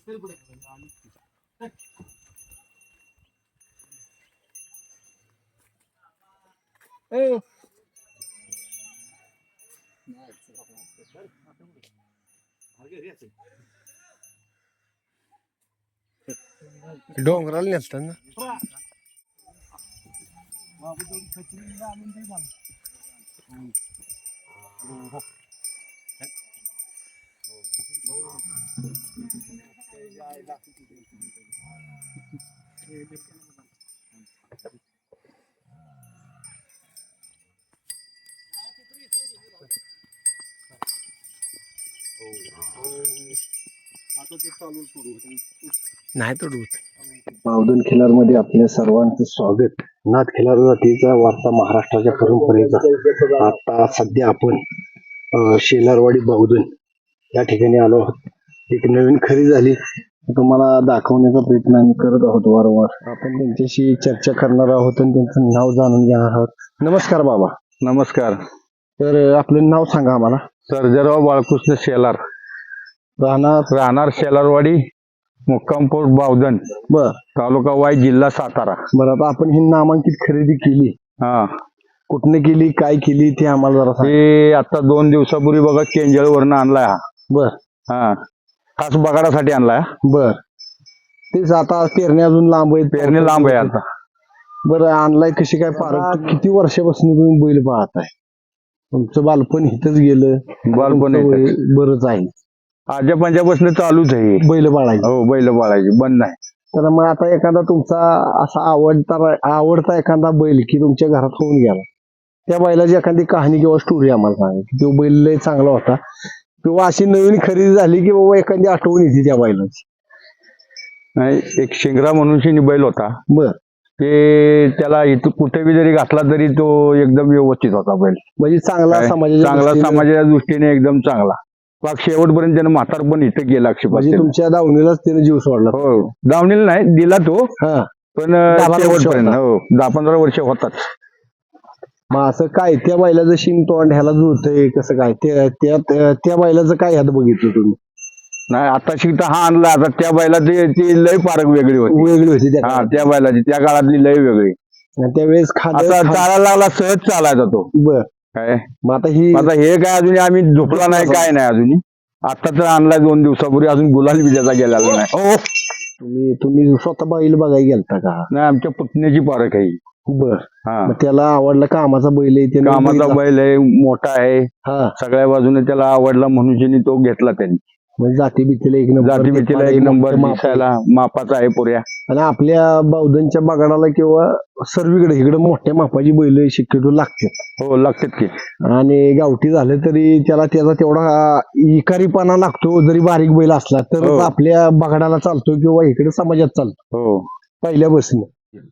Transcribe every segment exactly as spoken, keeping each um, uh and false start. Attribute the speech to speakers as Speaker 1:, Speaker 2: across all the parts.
Speaker 1: डोंगराला नेसतात ना. नाही तोडवत.
Speaker 2: बावधन खिलार मध्ये आपल्या सर्वांचं स्वागत. नाथ खिलार जातीचा वारसा महाराष्ट्राच्या परंपरेचा. आता सध्या आपण अं, शेलारवाडी बावधन या ठिकाणी आलो आहोत. एक नवीन खरी झाली तुम्हाला दाखवण्याचा प्रयत्न आम्ही करत आहोत वारंवार. आपण त्यांच्याशी चर्चा करणार आहोत आणि त्यांचं नाव जाणून घेणार आहोत. नमस्कार बाबा.
Speaker 3: नमस्कार.
Speaker 2: तर अं, आपलं नाव सांगा आम्हाला.
Speaker 3: सर्जेराव बाळकृष्ण शेलार,
Speaker 2: राहणार
Speaker 3: राहणार शेलारवाडी, मुक्कामपूर बावधन,
Speaker 2: बर
Speaker 3: तालुका वाई, जिल्हा सातारा.
Speaker 2: बरं. आता आपण ही नामांकित खरेदी केली,
Speaker 3: हा,
Speaker 2: कुठनं केली, काय केली ते आम्हाला जरा सांग.
Speaker 3: ते आता दोन दिवसापूर्वी बघा केंजळवरनं आणलाय हा.
Speaker 2: बर
Speaker 3: हा, खास बगाडासाठी आणलाय.
Speaker 2: बर. तेच आता पेरणी अजून लांब आहे.
Speaker 3: पेरणी लांब आहे आता.
Speaker 2: बरं, आणलाय कशी काय पारख? किती वर्षापासून तुम्ही बैल पाहताय? तुमचं बालपण इथंच गेलं.
Speaker 3: बालपण
Speaker 2: तुमचं वय
Speaker 3: इथंच.
Speaker 2: बरंच आहे
Speaker 3: आजच्या पंजापासून चालूच आहे.
Speaker 2: बैल बाळायचं.
Speaker 3: हो, बैल पाळायची बंद नाही.
Speaker 2: तर मग आता एखादा तुमचा असा आवडता आवडता एखादा बैल की तुमच्या घरात होऊन गेला, त्या बैलाची एखादी कहाणी किंवा स्टोरी आम्हाला सांगा की तो बैल लय चांगला होता, किंवा अशी नवीन खरेदी झाली की बाबा एखादी आठवण येते त्या बैलाची.
Speaker 3: नाही, एक शिंगरा म्हणून शिनी बैल होता.
Speaker 2: बर.
Speaker 3: ते त्याला इथं कुठे बी जरी घातला तरी तो एकदम व्यवस्थित होता बैल.
Speaker 2: म्हणजे चांगला
Speaker 3: काय?
Speaker 2: समाजाच्या
Speaker 3: चांगला
Speaker 2: दृष्टीने-
Speaker 3: समाजाच्या दृष्टीने एकदम चांगला. पाक शेवटपर्यंत त्यानं म्हातार पण इथं गेला
Speaker 2: म्हणजे
Speaker 3: आक्षेपासून.
Speaker 2: तुमच्या दावणीलाच त्याने जीव सोडला.
Speaker 3: हो, दावणीला नाही दिला तो,
Speaker 2: हा.
Speaker 3: पण
Speaker 2: दहा बारा वर्ष
Speaker 3: शेवटपर्यंत
Speaker 2: होता.
Speaker 3: हो दहा पंधरा वर्ष होतात.
Speaker 2: मग असं काय त्या बैलाचं शिंग तोंड ह्याला जुळतंय कसं काय? त्या त्या त्या बैलाचं काय ह्यात बघितलं तुम्ही?
Speaker 3: नाही, आता शिकता हा आणला. आता त्या बैलाची ती लय फारक वेगळी होती.
Speaker 2: वेगळी होती त्या
Speaker 3: हा, त्या बैलाची त्या काळातली लय वेगळी.
Speaker 2: काळात. त्यावेळेस
Speaker 3: आता
Speaker 2: खाद्य
Speaker 3: चालायला लागला, सहज चालायचा तो.
Speaker 2: बर.
Speaker 3: काय
Speaker 2: मग आता ही
Speaker 3: आता हे काय अजून आम्ही झोपला नाही, काय नाही अजून. आता तर आणलाय दोन दिवसापूर्वी, अजून गुलाल बी त्याचा गेलेला नाही. हो,
Speaker 2: तुम्ही तुम्ही स्वतः बैल बघायला गेलता का?
Speaker 3: नाही, आमच्या पुतण्याची पारख आहे.
Speaker 2: बर.
Speaker 3: हा,
Speaker 2: मग त्याला आवडला कामाचा बैल आहे त्यानं
Speaker 3: कामाचा
Speaker 2: बैल-
Speaker 3: बैल आहे, मोठा आहे,
Speaker 2: हा.
Speaker 3: सगळ्या बाजूने त्याला आवडला म्हणून ज्यांनी तो घेतला त्यांनी.
Speaker 2: म्हणजे जाती भीतीला एक नंबर,
Speaker 3: जाती भीतीला एक नंबर, दिसायला मापाचा आहे पुऱ्या.
Speaker 2: आणि आपल्या बावधनच्या बगाडाला किंवा सर्वीकडे इकडे मोठ्या मापाची बैल शक्यतो लागतात.
Speaker 3: हो, लागतात की.
Speaker 2: आणि गावठी झालं तरी त्याला त्याचा तेवढा इकारीपणा लागतो, जरी बारीक बैल असला तर
Speaker 3: हो.
Speaker 2: आपल्या बगाडाला चालतो किंवा इकडे समाजात चालतो
Speaker 3: हो,
Speaker 2: पहिल्या बसने.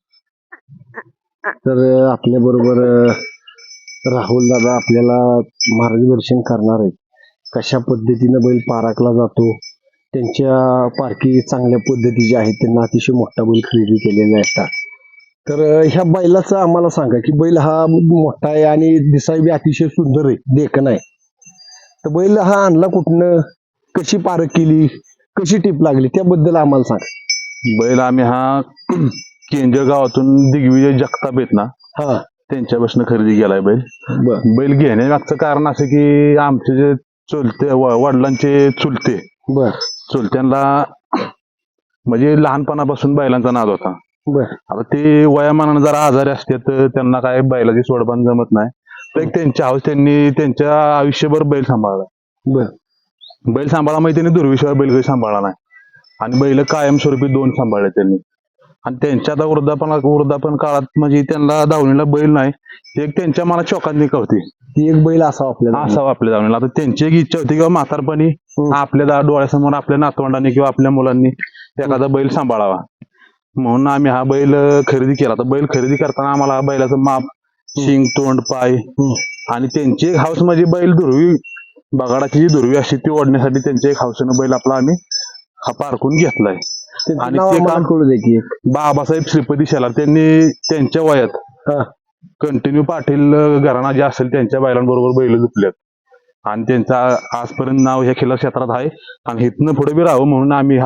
Speaker 2: तर आपल्या बरोबर राहुल दादा आपल्याला मार्गदर्शन करणार आहेत, कशा पद्धतीनं बैल पाराखला जातो. त्यांच्या पारखी चांगल्या पद्धतीचे आहेत, त्यांना अतिशय मोठा बैल खरेदी केलेला असतात. तर ह्या बैलाचं आम्हाला सांगा की बैल हा मोठा आहे आणि दिसाय बी अतिशय सुंदर आहे, देखणं आहे. तर बैल हा आणला कुठनं, कशी पारख केली, कशी टीप लागली, त्याबद्दल आम्हाला सांगा.
Speaker 4: बैल आम्ही हा केंजळ गावातून दिग्विजय जगताप आहेत ना,
Speaker 2: हा.
Speaker 4: त्यांच्यापासून खरेदी केलाय बैल.
Speaker 2: बर.
Speaker 4: बैल घेण्यामागचं कारण असं की आमचे जे चुलते व- वडिलांचे चुलते
Speaker 2: बर.
Speaker 4: चुलत्यांना म्हणजे लहानपणापासून बैलांचा नाद होता.
Speaker 2: बर.
Speaker 4: आता ते वयामानानं जरा आजारी असते तर त्यांना काय बैलाची सोडबान जमत नाही. तर एक त्यांच्या हाऊस त्यांनी त्यांच्या आयुष्यभर बैल सांभाळला.
Speaker 2: बर.
Speaker 4: बैल सांभाळा म्हणजे त्यांनी दुर्विश्वास बैल काही सांभाळला नाही, आणि बैल कायमस्वरूपी दोन सांभाळले त्यांनी. आणि त्यांच्या आता वृद्धापना वृद्धापन काळात म्हणजे त्यांना दावणीला बैल नाही, ते एक त्यांच्या मनात शोकांतिका होती,
Speaker 2: ती एक बैल असावा आपल्याला.
Speaker 4: असावं आपल्या दावणीला. आता त्यांची एक इच्छा होती किंवा म्हातारपणी
Speaker 2: हम्म.
Speaker 4: आपल्या दा- डोळ्यासमोर आपल्या नातवंडांनी किंवा आपल्या मुलांनी एखादा बैल सांभाळावा, म्हणून आम्ही हा बैल खरेदी केला. तर बैल खरेदी करताना आम्हाला हा बैलाचं माप, शिंग, तोंड, पाय आणि त्यांची एक हाऊस म्हणजे बैल दुर्वी बगाडाची जी दुर्वी असते ती ओढण्यासाठी त्यांच्या एक हाऊसनं बैल आपला आम्ही हा पारखून घेतलाय.
Speaker 2: त्यांचं
Speaker 4: आणि
Speaker 2: नाव
Speaker 4: ते
Speaker 2: आम्हाला
Speaker 4: काम
Speaker 2: कळू दे की एक.
Speaker 4: बाबासाहेब श्रीपती शेलार त्यांनी त्यांच्या वयात
Speaker 2: हा.
Speaker 4: कंटिन्यू पाटील घराणा जे असेल त्यांच्या बैलांबरोबर बैल झुपल्यात, आणि त्यांचं आजपर्यंत नाव ह्या खिल्लार क्षेत्रात आहे. आणि इथनं पुढे बी राहावं म्हणून आम्ही हा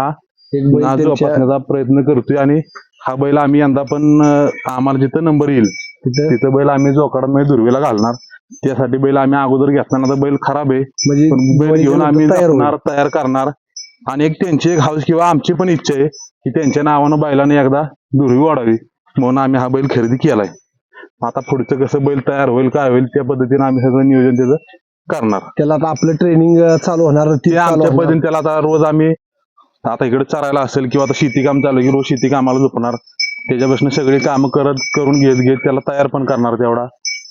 Speaker 2: एक बैल
Speaker 4: ना
Speaker 2: त्यांच्या
Speaker 4: जोपासण्याचा प्रयत्न करतोय आणि हा बैल आम्ही यंदा पण अं, आम्हाला जिथं नंबर येईल
Speaker 2: तिथं
Speaker 4: तिथं बैल आम्ही जोकाडामध्ये दुर्वेला घालणार. त्यासाठी बैल आम्ही अगोदर घेतला तर बैल खराब आहे,
Speaker 2: म्हणजे
Speaker 4: पण बैल
Speaker 2: दिवाळीच्या
Speaker 4: घेऊन आम्ही
Speaker 2: नंतर तयार होईल.
Speaker 4: जपणार, तयार करणार. आणि एक त्यांची एक हाऊस किंवा आमची पण इच्छा आहे की त्यांच्या नावानं बैलाने एकदा दुर्वी वाढावी, म्हणून आम्ही हा बैल खरेदी केलाय. आता पुढचं कसं बैल तयार होईल काय होईल त्या पद्धतीने आम्ही सगळं नियोजन त्याचं करणार.
Speaker 2: त्याला आता आपलं ट्रेनिंग चालू होणार
Speaker 4: ते आमच्या पद्धतीने त्याला आता रोज आम्ही आता इकडे चरायला असेल किंवा आता शेती काम चालू आहे की रोज शेती कामाला झोपणार, त्याच्यापासून सगळी कामं करत करून घेत घेत त्याला तयार पण करणार तेवढा.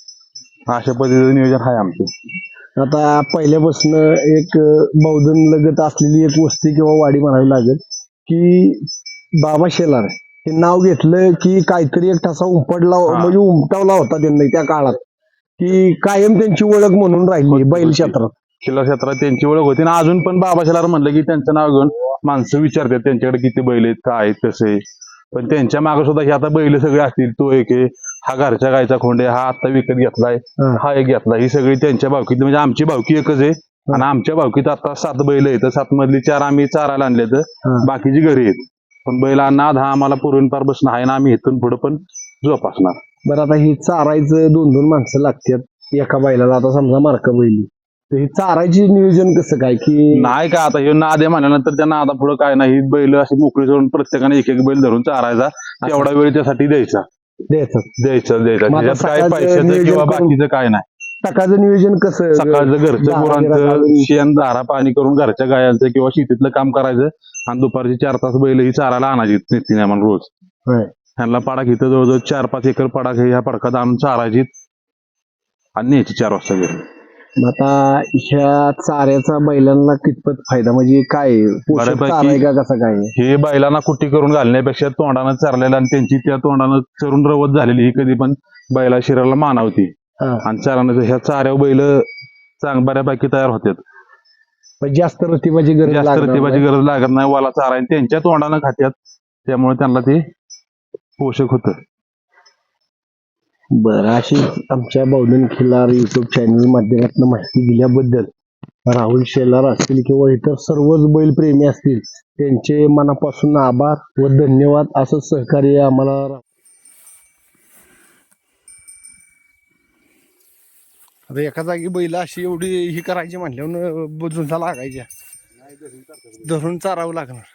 Speaker 4: अशा पद्धतीचं नियोजन आहे आमचं.
Speaker 2: आता पहिल्यापासून एक बौद्धन लगत असलेली एक वस्ती किंवा वाडी म्हणावी लागेल की बाबा शेलार हे नाव घेतलं की काहीतरी एक ठसा उमटला,
Speaker 4: हा.
Speaker 2: म्हणजे उमटवला होता त्यांनी त्या काळात, की कायम त्यांची ओळख म्हणून राहिली बैल क्षेत्रात.
Speaker 4: खिल्लार क्षेत्रात त्यांची ओळख होती ना. अजून पण बाबा शेलार म्हणलं की त्यांचं नाव घेऊन माणसं विचारतात त्यांच्याकडे किती बैल आहेत, काय आहेत, कसे आहे. पण त्यांच्या मागे सुद्धा हे आता बैल सगळे असतील, तो एक आहे, हा घरच्या गायचा खोंड आहे, हा आता विकत घेतलाय,
Speaker 2: हा.
Speaker 4: हा एक घेतला, ही सगळी त्यांच्या भावकीत, म्हणजे आमची भावकी एकच आहे. आणि आमच्या भावकीत आता सात बैल आहेत, सात मधली चार आम्ही चारायला आणले तर
Speaker 2: हा.
Speaker 4: बाकीची घरी आहेत. पण बैला नाद हा आम्हाला पूर्वीपार बसणं आहे ना, आम्ही इथून पुढे पण जोपासणार.
Speaker 2: बरं, आता ही चारायचं दोन दोन माणसं लागतात एका बैलाला. आता समजा मार्का बैली, तर ही चारायची नियोजन कसं काय की
Speaker 4: नाही का आता हे नाद आहे म्हणल्यानंतर त्या नादा पुढे काय नाही, ही बैल अशी मोकळी सोडून प्रत्येकाने एक एक बैल धरून चारायचा, तेवढा वेळ त्यासाठी द्यायचा
Speaker 2: द्यायचं?
Speaker 4: द्यायचं द्यायचं
Speaker 2: मग आता
Speaker 4: त्याच्यात काय
Speaker 2: सकाळचं
Speaker 4: पैशाचं
Speaker 2: नियोजन
Speaker 4: किंवा
Speaker 2: करून-
Speaker 4: बाकीचं काय नाही.
Speaker 2: सकाळचं नियोजन कसं?
Speaker 4: सकाळचं घरचं
Speaker 2: दारा बिरा
Speaker 4: गुरांचं
Speaker 2: घालून.
Speaker 4: शेण धारा पाणी करून घरच्या गायांचं किंवा शेतीतलं काम करायचं आणि दुपारची चार तास बैल ही चारायला आणायची नितीने आम्हाला रोज.
Speaker 2: होय.
Speaker 4: ह्यांना पडाक इथं जवळजवळ चार पाच एकर पडाक ह्या पडकात आणून चारायची आणि न्यायची चार वाजता घरी.
Speaker 2: मग आता ह्या चाऱ्याचा बैलांना कितपत फायदा, म्हणजे काय पोषक
Speaker 4: बऱ्यापैकी-
Speaker 2: चारा आहे का कसं काय?
Speaker 4: हे बैलांना कुट्टी करून घालण्यापेक्षा तोंडानं चारलेलं आणि त्यांची त्या तोंडानं चरून रवत झालेली ही कधी पण बैला शरीराला मानावती.
Speaker 2: हा.
Speaker 4: आणि चारानं ह्या चाऱ्या बैल चांग बऱ्यापैकी तयार होतात.
Speaker 2: पण जास्त रतिबाची गरज
Speaker 4: जास्त
Speaker 2: लागणार
Speaker 4: रतिबाची
Speaker 2: नाही.
Speaker 4: गरज लागत नाही, वाला चारा आहे त्यांच्या तोंडानं खात्यात, त्यामुळे त्यांना ते पोषक होतं.
Speaker 2: बरं, अशी आमच्या बौद्धन खिल्लार युट्यूब चॅनल माध्यमातून माहिती दिल्याबद्दल राहुल शेलार असतील किंवा इतर सर्वच बैलप्रेमी असतील त्यांचे मनापासून आभार व धन्यवाद. असं सहकार्य आम्हाला. आता एका जागी बैल अशी एवढी ही करायची म्हटल्यावर बुजूंचा लागायच्या, धरून चारावं लागणार.